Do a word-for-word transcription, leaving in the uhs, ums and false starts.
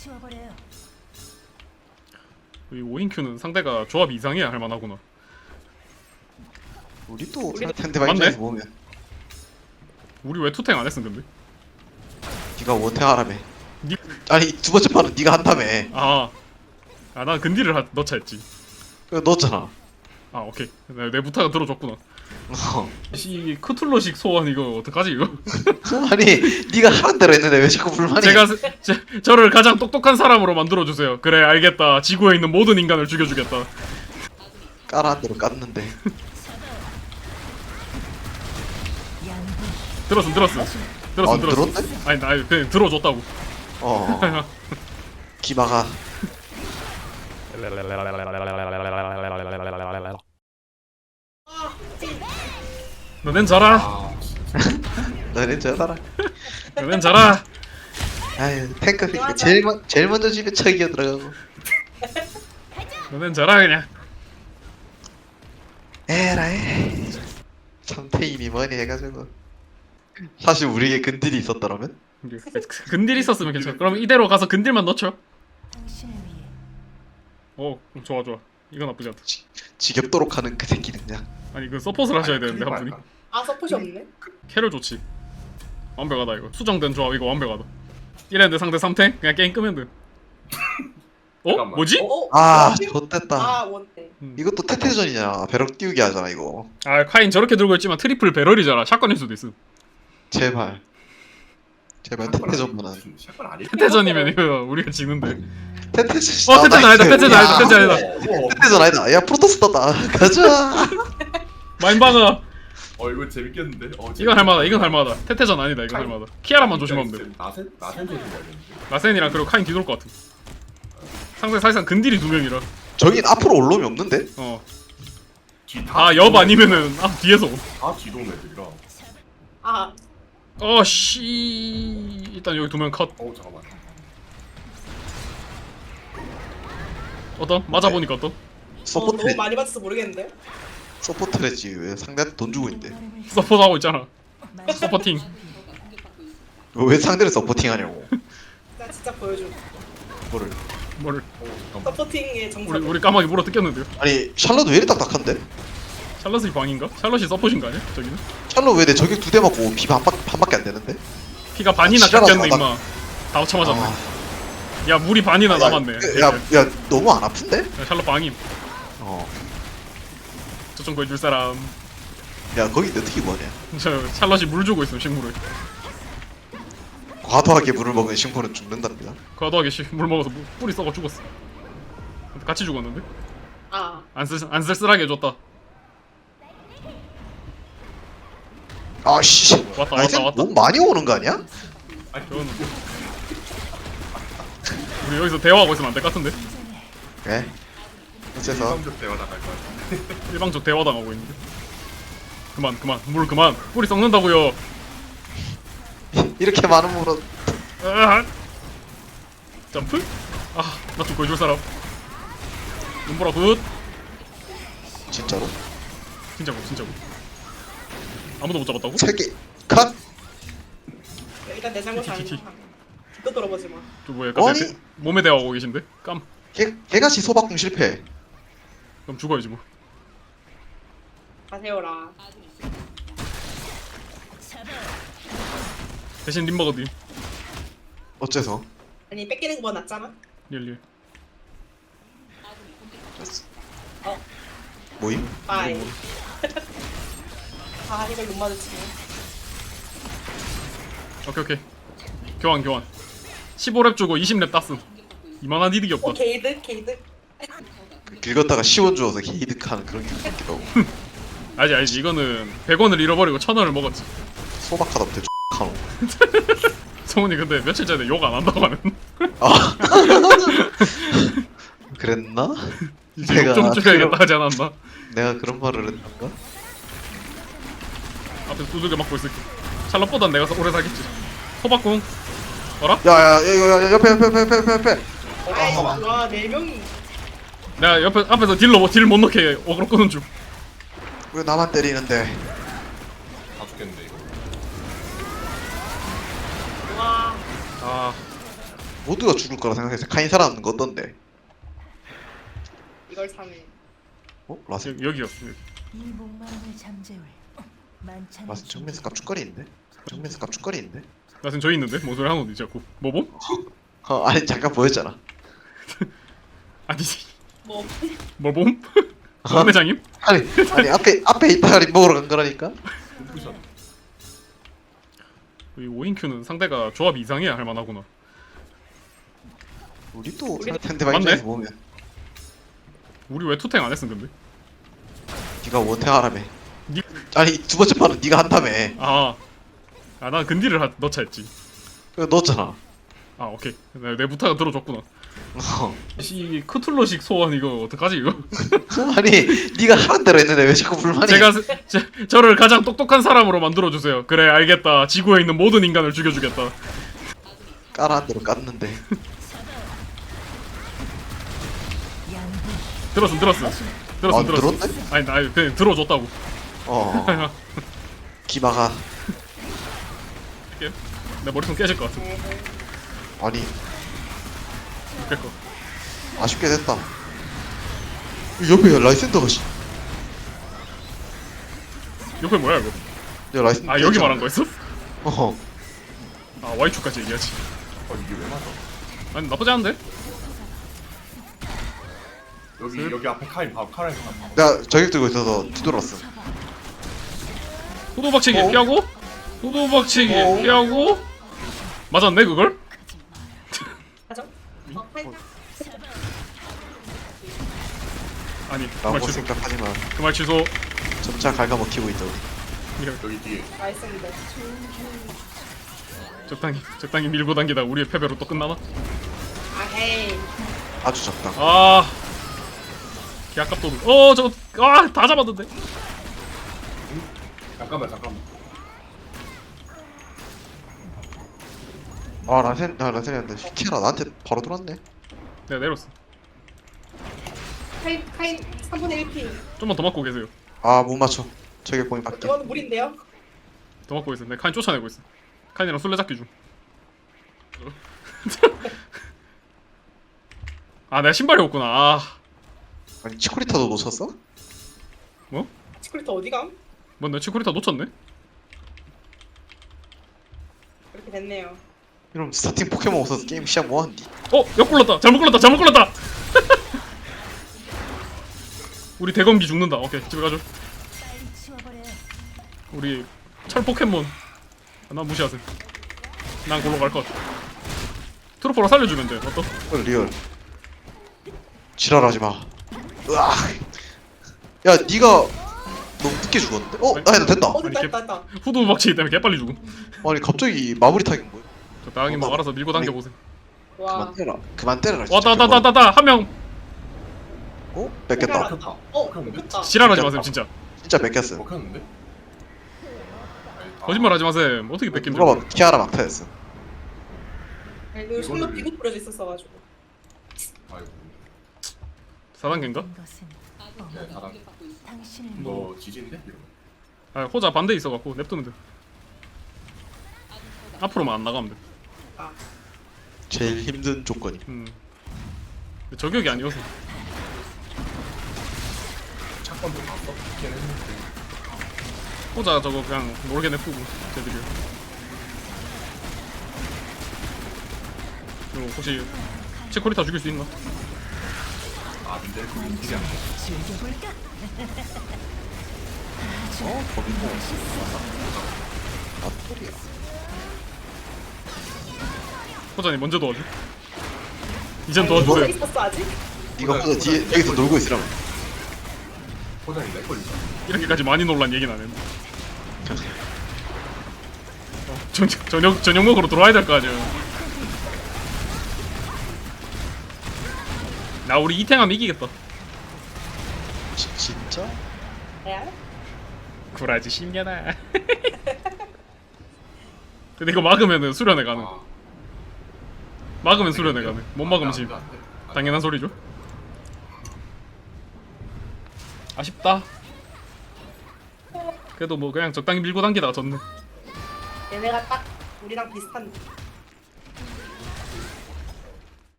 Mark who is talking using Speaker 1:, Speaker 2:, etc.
Speaker 1: 치워버려요.
Speaker 2: 이 오인큐는 상대가 조합이 이상해야 할만하구나.
Speaker 3: 우리도
Speaker 4: 우리도-
Speaker 3: 상대방
Speaker 2: 맞네.
Speaker 3: 입장에서 보면
Speaker 2: 우리 왜 투탱 안 했음 근데?
Speaker 3: 네가 원탱하라며.
Speaker 2: 니...
Speaker 3: 아니 두 번째 판은 네가 한다며.
Speaker 2: 아, 아, 난 근딜을 하, 넣자 했지.
Speaker 3: 그거 넣었잖아.
Speaker 2: 아, 오케이. 내, 내 부탁을 들어줬구나.
Speaker 3: 어.
Speaker 2: 이 크툴러식 소원 이거 어떡하지 이거?
Speaker 3: 아니 네가 하는 대로 했는데 왜 자꾸 불만이?
Speaker 2: 제가 스- 제, 저를 가장 똑똑한 사람으로 만들어 주세요. 그래, 알겠다. 지구에 있는 모든 인간을 죽여주겠다.
Speaker 3: 까라한 대로 깠는데.
Speaker 1: 양분
Speaker 2: 들었음, 들었음, 들었음,
Speaker 3: 안
Speaker 2: 들었음.
Speaker 3: 들었네?
Speaker 2: 아니, 나 그냥 들어줬다고.
Speaker 3: 어. 기마가.
Speaker 2: 너넨 자라.
Speaker 4: 아,
Speaker 3: 너네 저따라.
Speaker 2: 너넨 자라.
Speaker 3: 아유 탱커 새끼 제일 먼 제일 먼저 집에 척이어 들어가고.
Speaker 2: 너넨 자라 그냥.
Speaker 3: 에라이. 참태인이 뭐니 해가지고. 사실 우리에게 근딜이 있었더라면?
Speaker 2: 근딜 있었으면 괜찮아. 그럼 이대로 가서 근딜만 넣죠.
Speaker 1: 당신을 위해
Speaker 2: 어, 좋아, 좋아. 이건 나쁘지 않다.
Speaker 3: 지, 지겹도록 하는 그 새끼는 그냥.
Speaker 2: 아니, 그 서폿을 하셔야 되는데 한 분이.
Speaker 4: 아 서폿이 없네?
Speaker 2: 캐럴 좋지. 완벽하다 이거. 수정된 조합 이거 완벽하다. 이랬는데 상대 삼 탱? 그냥 게임 끄면 돼. 어?
Speaker 4: 잠깐만.
Speaker 2: 뭐지?
Speaker 4: 어? 어?
Speaker 3: 아
Speaker 4: 원탱?
Speaker 3: 좋댔다.
Speaker 4: 아 원탱.
Speaker 2: 음.
Speaker 3: 이것도 태태전이잖아. 벼락 띄우기 하잖아 이거.
Speaker 2: 아, 카인 저렇게 들고 있지만 트리플 배럴이잖아. 샷건일 수도 있음.
Speaker 3: 제발. 제발 태태전만 한.
Speaker 4: 샷건 아니야?
Speaker 2: 태태전이면 이거 우리가 지는데.
Speaker 3: 태태전.
Speaker 2: 어, 태태전 아니다. 태태전 아니다. 태태전 아니다.
Speaker 4: 어,
Speaker 3: 태태전 아니다. 야 프로토스 떴다. 가자.
Speaker 2: 마인바가
Speaker 4: 어 이거 재밌겠는데? 어,
Speaker 2: 이건 할만하다. 이건 할만하다. 태태전 아니다. 이건 할만하다. 키아라만 조심하면 돼.
Speaker 4: 나센 나센 조심해야겠는데.
Speaker 2: 라센이랑 그리고 카인 뒤돌 것 같음. 상대 사실상 근딜이 두 명이라.
Speaker 3: 저긴 앞으로 올 놈이 없는데?
Speaker 2: 어.
Speaker 4: 뒤다
Speaker 2: 아, 옆 아니면은 앞 뒤에서. 오.
Speaker 4: 다 뒤동 애들이라.
Speaker 5: 아,
Speaker 2: 어, 씨. 일단 여기 두 명 컷.
Speaker 4: 어 잠깐만.
Speaker 2: 어떤? 맞아 보니까 어떤?
Speaker 5: 어, 너무
Speaker 3: 서포트레
Speaker 5: 많이 받아서 모르겠는데?
Speaker 3: 서포트레지 왜 상대한테 돈 주고 있는데?
Speaker 2: 서포트 하고 있잖아. 서포팅.
Speaker 3: 왜 상대를 서포팅하냐고.
Speaker 5: 나 진짜 보여줘.
Speaker 3: 뭐를?
Speaker 2: 뭐를?
Speaker 4: 어 잠깐만.
Speaker 5: 서포팅의 정석.
Speaker 2: 우리 우리 까마귀 물어 뜯겼는데요.
Speaker 3: 아니 샬럿 왜 이리 딱딱한데?
Speaker 2: 샬럿이 방인가? 샬럿이 서폿인 거 아니야? 저기는?
Speaker 3: 샬럿 왜 내 저격 두 대 맞고 피 반, 반밖에 안 되는데?
Speaker 2: 피가 반이나
Speaker 3: 지랄하지
Speaker 2: 깎였네
Speaker 3: 마.
Speaker 2: 임마. 다 합쳐 맞았네.
Speaker 3: 아,
Speaker 2: 야, 물이 반이나 남았네.
Speaker 3: 야, 야, 야 너무 안 아픈데?
Speaker 2: 야, 샬럿 방임.
Speaker 3: 어.
Speaker 2: 저좀 구해줄 사람.
Speaker 3: 야 거기 어떻게 뭐냐?
Speaker 2: 저 샬럿이 물 주고 있음 식물을.
Speaker 3: 과도하게 물을 먹은 식물은 죽는답니다.
Speaker 2: 과도하게 씨, 물 먹어서 물, 뿌리 썩어 죽었어. 같이 죽었는데?
Speaker 5: 아,
Speaker 2: 안 쓸, 안 쓸쓸하게 해줬다.
Speaker 3: 아씨.
Speaker 2: 왔다,
Speaker 3: 아니,
Speaker 2: 왔다,
Speaker 3: 쟤
Speaker 2: 왔다.
Speaker 3: 너무 많이 오는 거 아니야?
Speaker 4: 아니
Speaker 2: 저거는 우리 여기서 대화하고 있으면 안 될 것 같은데?
Speaker 3: 예. 어째서
Speaker 4: 일방적 대화 나갈 것 같은데.
Speaker 2: 일방적 대화 당하고 있는데. 그만, 그만, 물 그만. 뿌리 썩는다고요.
Speaker 3: 이렇게 많은 물은
Speaker 2: 으아! 점프? 아, 나 좀 구해줄 사람. 눈보라 굿.
Speaker 3: 진짜로
Speaker 2: 진짜고, 진짜고. 아무도 못 잡았다고?
Speaker 3: 세 개. 컷.
Speaker 5: 일단 내 잘못 아니야. 또 돌아보지 마.
Speaker 2: 저 뭐야, 약간
Speaker 3: 아니.
Speaker 2: 대- 몸에 대화하고 계신데? 깜.
Speaker 3: 개 개같이 소박궁 실패.
Speaker 2: 그럼 죽어야지 뭐.
Speaker 5: 가세요라.
Speaker 2: 대신 림버거디.
Speaker 3: 어째서?
Speaker 5: 아니, 뺏기는 거보다 낫잖아?
Speaker 2: 릴리.
Speaker 5: 어,
Speaker 3: 뭐임?
Speaker 5: 빠이. 아, 이걸 못 마주치네.
Speaker 2: 오케이, 오케이. 교환, 교환. 십오 렙 주고 이십 렙 땄음. 이만한 이득이 없다.
Speaker 5: 어, 게이드? 게이드?
Speaker 3: 그 긁었다가 시원 주어서 게이득하는 그런 기분 같기도 하고.
Speaker 2: 알지, 알지. 이거는 백 원을 잃어버리고 천 원을 먹었지.
Speaker 3: 소박하다 못해 X하노.
Speaker 2: 성훈이 근데 며칠 전에 욕 안 한다고 하는.
Speaker 3: 아. 그랬나?
Speaker 2: 이제
Speaker 3: 내가
Speaker 2: 욕좀 줄여야겠다
Speaker 3: 그럼-
Speaker 2: 하지 않았나?
Speaker 3: 내가 그런 말을 했던가?
Speaker 2: 앞에서 두들겨 맞고 있을게. 샬럿보단 내가 오래 살겠지. 소박궁. 어라?
Speaker 3: 야야 이거 야, 옆에 옆에 옆에 옆에 옆에.
Speaker 5: 아이, 와, 네 명이.
Speaker 2: 내가 옆에 앞에서 딜로 딜 못 넣게 어그로 끄는 중.
Speaker 3: 왜 나만 때리는데?
Speaker 4: 다 죽겠는데 이거.
Speaker 5: 와,
Speaker 2: 아,
Speaker 3: 모두가 죽을 거라 생각해서 카인 살아남는 거 어떤데?
Speaker 5: 이걸 사네.
Speaker 3: 어? 라스
Speaker 2: 여기, 여기였어 여기.
Speaker 1: 이 목마름을 잠재울 만찬
Speaker 3: 라스 정면에서 깝죽거리는데? 정면에서 깝죽거리는데?
Speaker 2: 나 지금 저기 있는데? 뭔 소리 하는 거지 자꾸 뭐봄?
Speaker 3: 어 아니 잠깐 보였잖아.
Speaker 2: 아니
Speaker 5: 뭐
Speaker 2: 뭐봄? 매장님?
Speaker 3: 아니 아니 앞에 앞에 이따가리 먹으러 간 거라니까.
Speaker 4: 콤프션.
Speaker 2: 이 오인큐는 상대가 조합이 이상해야 할만하구나.
Speaker 3: 우리 또
Speaker 5: 우리-
Speaker 3: 상대방
Speaker 2: 맞네?
Speaker 3: 입장에서 보면
Speaker 2: 우리 왜 투탱 안 했음 근데?
Speaker 3: 네가 원탱하라며.
Speaker 2: 니...
Speaker 3: 아니 두 번째 판은 네가 한다며.
Speaker 2: 아, 아 난 근디를 하, 넣자 했지.
Speaker 3: 그거 넣었잖아.
Speaker 2: 아 오케이 내, 내 부탁을 들어줬구나.
Speaker 3: 어.
Speaker 2: 이 크툴로식 소원 이거 어떡하지 이거?
Speaker 3: 아니 네가 하는 대로 했는데 왜 자꾸 불만이?
Speaker 2: 제가 스- 제, 저를 가장 똑똑한 사람으로 만들어주세요. 그래 알겠다. 지구에 있는 모든 인간을 죽여주겠다.
Speaker 3: 까라한 대로 깠는데.
Speaker 1: 양분
Speaker 2: 들었음 들었음 들었음
Speaker 3: 아,
Speaker 2: 들었음.
Speaker 3: 들었네?
Speaker 2: 아니 나 그냥 들어줬다고.
Speaker 3: 어. 기마가
Speaker 2: 내 머리통 깨질 것 같아.
Speaker 3: 아니
Speaker 2: 깰 거.
Speaker 3: 아쉽게 됐다. 옆에 라이센더가 씨.
Speaker 2: 옆에 뭐야 이거?
Speaker 3: 야 라이센더.
Speaker 2: 아 여기 말한 거였어?
Speaker 3: 어.
Speaker 2: 아 와이추까지 얘기하지.
Speaker 4: 어 이게 왜 맞아?
Speaker 2: 아니 나쁘지 않은데?
Speaker 4: 여기 여기 앞에 카인 봐. 카인 봐.
Speaker 3: 내가 저격 들고 있어서 뒤돌았어.
Speaker 2: 호도박치기
Speaker 3: 어?
Speaker 2: 피하고 호도박치기
Speaker 3: 어?
Speaker 2: 피하고 맞았네 그걸?
Speaker 5: 하죠? 어, 파이팅.
Speaker 2: 아니 그
Speaker 3: 라고
Speaker 2: 말 취소
Speaker 3: 생각하지만
Speaker 2: 그 말 취소.
Speaker 3: 점차 갉아먹히고 있다 우리.
Speaker 4: 여기 뒤에.
Speaker 5: 나이스인데. 적당히
Speaker 2: 적당히 적당히 밀고 당기다 우리의 패배로 또 끝나나?
Speaker 5: 아 헤이.
Speaker 3: 아주 적당.
Speaker 2: 아 개아깝도 어저아다 잡았는데.
Speaker 4: 잠깐만 잠깐만.
Speaker 3: 아 라센 아 라센이한테 키라 나한테 바로 돌았네.
Speaker 2: 내가 내렸어.
Speaker 5: 카인 카인 삼분의 일 피.
Speaker 2: 좀만 더 맞고 계세요.
Speaker 3: 아 못 맞춰. 저격 공이 밖에.
Speaker 5: 이거는 무리인데요?
Speaker 2: 더 맞고 있어. 내가 카인 쫓아내고 있어. 카인이랑 술래잡기 중. 아 내가 신발이 없구나. 아
Speaker 3: 아니 치코리타도 놓쳤어?
Speaker 2: 뭐?
Speaker 5: 치콜리터 어디 감?
Speaker 2: 뭐 내 치코리타 놓쳤네?
Speaker 5: 이렇게 됐네요.
Speaker 3: 이러면 스타팅 포켓몬 없어서 게임 시작 뭐하는디?
Speaker 2: 어! 역 굴렀다! 잘못 굴렀다! 잘못 굴렀다! 우리 대검기 죽는다. 오케이 집에 가죠.
Speaker 1: 빨리 치워버려.
Speaker 2: 우리 철 포켓몬. 아, 난 무시하세요. 난 골로 갈 것 같아. 트루퍼로 살려주면 돼. 어떠?
Speaker 3: 어, 리얼. 지랄하지 마. 으악. 야 네가 너무 늦게 죽었는데? 어? 나 해도 된다.
Speaker 5: 어 됐다
Speaker 2: 아니,
Speaker 5: 됐다 됐다.
Speaker 2: 후드 박치기 때문에 개빨리 죽음.
Speaker 3: 아니 갑자기 마무리 타긴 뭐야?
Speaker 2: 적당히 뭐 알아서 밀고 당겨보세요.
Speaker 5: 와.
Speaker 3: 그만 때라. 그만 때려라. 진짜.
Speaker 2: 왔다 왔다 왔다 왔다! 한 명!
Speaker 3: 어? 뺏겼다.
Speaker 5: 알았다. 어 됐다.
Speaker 2: 지랄하지 마세요 진짜.
Speaker 3: 진짜 뺏겼어.
Speaker 4: 먹혔는데?
Speaker 2: 거짓말 하지 마세요. 어떻게 뺏긴 줄
Speaker 3: 누가
Speaker 2: 알아.
Speaker 3: 봐 키아라 막타였어.
Speaker 5: 아니, 그 손로 비고 뿌려져 있었어가지고.
Speaker 4: 아이고.
Speaker 2: 사 단계인가?
Speaker 1: 모든 것은
Speaker 4: 네, 사람.
Speaker 1: 당신을
Speaker 2: 뭐.
Speaker 4: 너 지진데? 이러면.
Speaker 2: 아 호자 반대 있어갖고 냅두면 돼. 앞으로만 안 나가면 돼.
Speaker 5: 아
Speaker 3: 제일 힘든 조건이.
Speaker 2: 음. 근데 저격이 아니어서.
Speaker 4: 착건도 봤어? 걔는 했는데.
Speaker 2: 호자 저거 그냥 모르게 냅두고 쟤들이. 그리고 혹시 치코리타 죽일 수 있나?
Speaker 4: 아 근데 그 인질이 안 돼.
Speaker 1: 즐겨볼까?
Speaker 3: 어? 거기 뭐? 아토리야.
Speaker 2: 호자님 먼저 도와줘. 이젠
Speaker 5: 아니,
Speaker 2: 도와주세요.
Speaker 5: 이거 있었어 아직?
Speaker 3: 네가 혼자 뒤에 여기서 놀고 있으라고.
Speaker 4: 포장이 내 걸리잖아.
Speaker 2: 이렇게까지 많이 놀란 얘기는 안 했는데. 어, 저, 저녁 저녁 먹으러 들어와야 될 거 아니야. 나 우리 이탱하면 이기겠다.
Speaker 3: 지, 진짜?
Speaker 5: 야?
Speaker 2: 구라지 십년아. 근데 이거 막으면은 수련회 가능.
Speaker 4: 아.
Speaker 2: 막으면 수련회 가능. 못 막으면 지
Speaker 4: 안 돼, 안 돼.
Speaker 2: 당연한 소리죠. 아쉽다. 그래도 뭐 그냥 적당히 밀고 당기다가 졌네.
Speaker 5: 얘네가 딱 우리랑 비슷한